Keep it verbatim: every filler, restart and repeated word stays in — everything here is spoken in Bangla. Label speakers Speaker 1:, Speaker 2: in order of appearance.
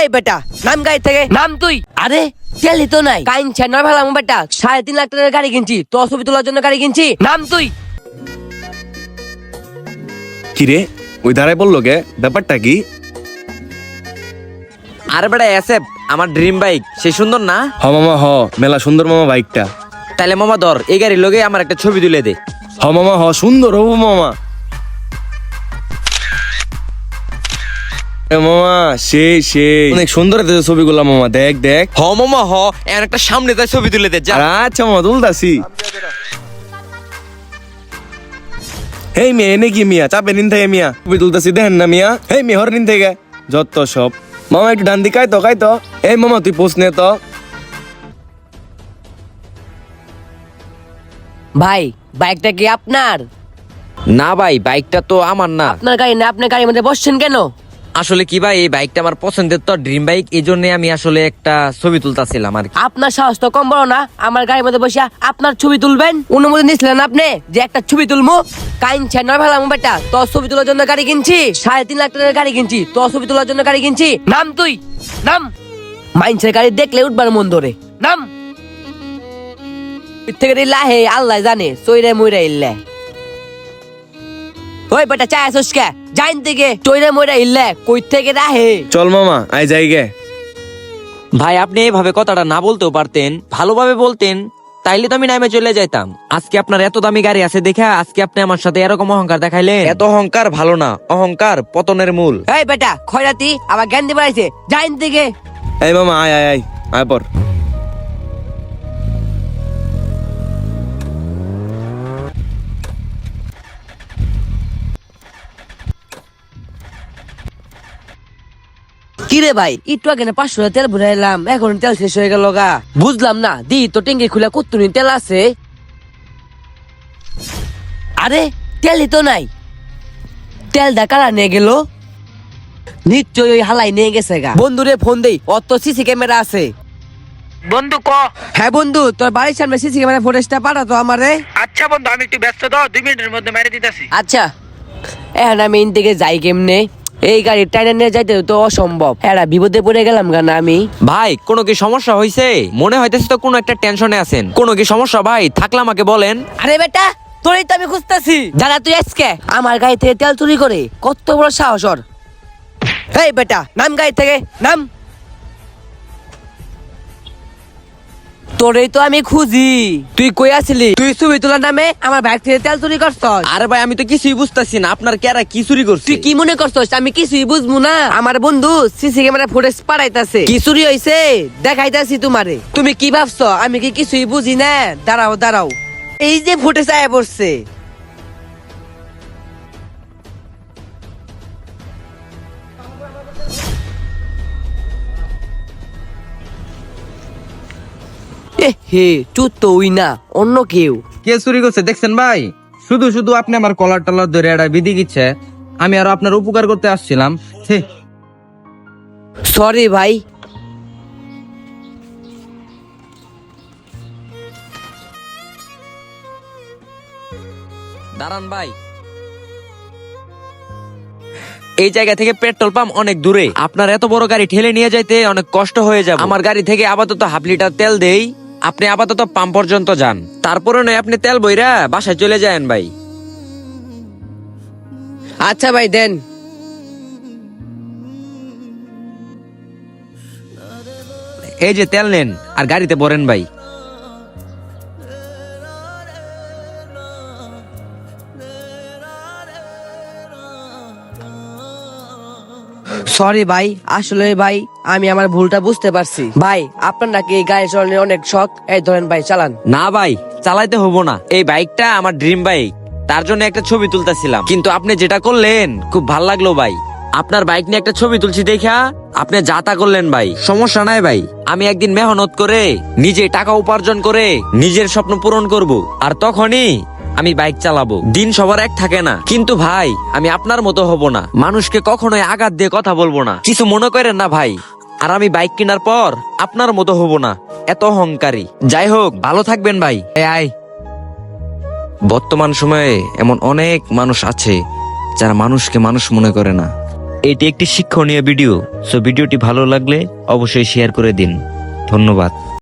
Speaker 1: এই বেটা নাম গাড়ি থেকে নাম তুই। আরে তেলই তো নাই কাইনছে না ভালাম বেটা, সাড়ে তিন লাখ টাকার গাড়ি কিনছি, তোর ছবি তোলার জন্য গাড়ি কিনছি, নাম তুই।
Speaker 2: কিরে ওই দাঁড়ায় বললো গে, ব্যাপারটা কি?
Speaker 3: আরে বেটা এসে আমার ড্রিম বাইক, সে সুন্দর না?
Speaker 2: হ মামা হ, মেলা সুন্দর মামা বাইকটা।
Speaker 3: তাইলে মামা ধর এই গাড়ির লগে আমার একটা ছবি তুলে দে।
Speaker 2: হ মামা হ, সুন্দর হবো মামা। এ মামা সেই সেই অনেক সুন্দর হইতেছে ছবিগুলা মামা, দেখ দেখ।
Speaker 3: হ মামা হ, এর একটা সামনে তাই ছবি তুলে দে যা।
Speaker 2: আচ্ছা মামা তুলতাছি। হেই মিয়া এনে কি মিয়া, চাপে নিন থেকে মিয়া, ছবি তুলতাছি দেখেন না মিয়া। হেই মিয়া হর নিন থেকে যত সব। মামা একটু ডান দিকে তো কাই তো। এই মামা তুই পোস্ট নে তো।
Speaker 1: ভাই বাইকটা কি আপনার?
Speaker 3: না ভাই বাইকটা তো আমার না।
Speaker 1: আপনার গাড়ি না, আপনার গাড়ির মধ্যে বসছেন কেন?
Speaker 3: আসলে কি ভাই এই বাইকটা আমার পছন্দের তো ড্রিম বাইক, এই জন্য আমি আসলে একটা ছবি তুলতাছিলাম আর কি।
Speaker 1: আপনার সাহস তো কম বড় না, আমার গাড়ির মধ্যে বসে আপনার ছবি তুলবেন? অনুমতি নিছিলেন আপনি যে একটা ছবি তুলবো? কাইনছে না ভালাম বেটা, তোর ছবি তোলার জন্য গাড়ি কিনছি, সাড়ে তিন লাখ টাকার গাড়ি কিনছি, তোর ছবি তোলার জন্য গাড়ি কিনছি, নাম তুই নাম। মাইনছের গাড়ি দেখলে উঠবার মন ধরে, নাম। থেকে লাহে আল্লাহ জানে চৈরে মইরা ইল্লে। ওই বেটা চায় আসোস কে? জাইন থেকে চৈরে মইরা ইল্লে কই থেকে রাহে।
Speaker 2: চল মামা আই যাই গে।
Speaker 3: ভাই আপনি এভাবে কথাটা না বলতেও পারতেন, ভালোভাবে বলতেন, তাইলে তো আমি নামে চলে যাইতাম। আজকে আপনার এত দামি গাড়ি আছে দেখা আজকে আপনি আমার সাথে এরকম অহংকার দেখাইলেন। এত অহংকার ভালো না, অহংকার পতনের মূল।
Speaker 1: এই বেটা খয়রাতি আবার জ্ঞান দিবার আইছে, জাইন থেকে।
Speaker 2: এই মামা আয় আয় আয় আয় পর।
Speaker 1: কিরে ভাই একটু আগে না পাঁচশো তেল ভরাইলাম, এখন তেল শেষ হয়ে গেল গা। বুঝলাম না, দি তো ট্যাঙ্কি খুলে কতনি তেল আছে। আরে তেলই তো নাই, তেল দা কারা নিয়ে গেল? নিশ্চয়ই ওই হালাই নিয়ে গেছে গা। বন্ধুরে ফোন দেই, অত সিসি ক্যামেরা আছে।
Speaker 4: বন্ধু ক।
Speaker 1: হ্যাঁ বন্ধু, তোর বাড়ির সামনে সিসি ক্যামেরা ফুটেজটা পাঠাতো আমারে।
Speaker 4: আচ্ছা বন্ধু আমি একটু ব্যস্ত, দাও দুই মিনিটের মধ্যে মেরে দিতেছি।
Speaker 1: আচ্ছা এখন আমি ইন থেকে যাই কেমনে? এই গাড়ি টাইনা নিয়ে যাইতে তো অসম্ভব, এরা বিপদে পড়ে গেলাম গা না আমি।
Speaker 3: ভাই কোনো কি সমস্যা হয়েছে? মনে হইতেছে তো কোনো একটা টেনশনে আছেন। কোনো কি সমস্যা ভাই? থাকলে আমাকে বলেন।
Speaker 1: আরে বেটা তোরই তো আমি খুঁজতেছি। দাদা তুই আজকে আমার গাড়ি থেকে তেল চুরি করে কত বড় সাহস ওর। এই বেটা নাম গাড়ি থেকে নাম। তোরই তো আমি খুঁজি, তুই কই আছিলি? তুই ছবি তোলার নামে আমার বাইক থেকে তেল চুরি করছস।
Speaker 3: আরে ভাই আমি তো কিছুই বুঝতাছি না, আপনার কেরা কি চুরি করছে?
Speaker 1: তুই কি মনে করছস আমি কিছুই বুঝবো না? আমার বন্ধু সিসি ক্যামেরা ফুটেজ পাঠাইতাছে, কি চুরি হইছে দেখাইতাছি তোমারে। তুমি কি ভাবছো আমি কি কিছুই বুঝি না? দাঁড়াও দাঁড়াও, এই যে ফুটেজ আয়া পড়ছে। এ হে তুই তো ওই না, অন্য কেউ।
Speaker 5: কে চুরি করছে দেখছেন ভাই? শুধু শুধু আপনি আমার কলার টলার ধরে এটা বিধি দিচ্ছে। আমি আরো আপনার উপকার করতে আসছিলাম। হে,
Speaker 1: সরি ভাই।
Speaker 3: দাঁড়ান ভাই, এই জায়গা থেকে পেট্রোল পাম্প অনেক দূরে, আপনার এত বড় গাড়ি ঠেলে নিয়ে যাইতে অনেক কষ্ট হয়ে যাবে। আমার গাড়ি থেকে আপাতত হাফ লিটার তেল দেই, আপনি আপাতত পাম্প পর্যন্ত যান, তারপরে নয় আপনি তেল বইরা বাসায় চলে যায়েন ভাই।
Speaker 1: আচ্ছা ভাই দেন।
Speaker 3: এই যে তেল নেন আর গাড়িতে ভরেন ভাই।
Speaker 1: সরি ভাই, আসলে ভাই আমি আমার ভুলটা বুঝতে পারছি। ভাই আপনার নাকি এই গাড়ি চালানোর অনেক শখ, এই ধরেন ভাই চালান।
Speaker 3: না ভাই চালাইতে হবো না, এই বাইকটা আমার ড্রিম বাইক, তার জন্য একটা ছবি তুলতেছিলাম। কিন্তু আপনি যেটা করলেন খুব ভাল লাগলো ভাই, আপনার বাইক নিয়ে একটা ছবি তুলছি দেখা আপনি যা তা করলেন ভাই। সমস্যা নাই ভাই, আমি একদিন মেহনত করে নিজে টাকা উপার্জন করে নিজের স্বপ্ন পূরণ করব, আর তখনই আমি বাইক চালাবো। দিন সবার এক থাকে না, কিন্তু ভাই আমি আপনার মতো হব না, মানুষকে কখনোই আঘাত দিয়ে কথা বলবো না, কিছু মনে করেন না ভাই। আর আমি বাইক কেনার পর আপনার মতো হব না, এত অহংকারী। যাই হোক ভালো থাকবেন ভাই। এই আয়। বর্তমান সময়ে এমন অনেক মানুষ আছে যারা মানুষকে মানুষ মনে করে না। এটি একটি শিক্ষণীয় ভিডিও, সো ভিডিওটি ভালো লাগলে অবশ্যই শেয়ার করে দিন। ধন্যবাদ।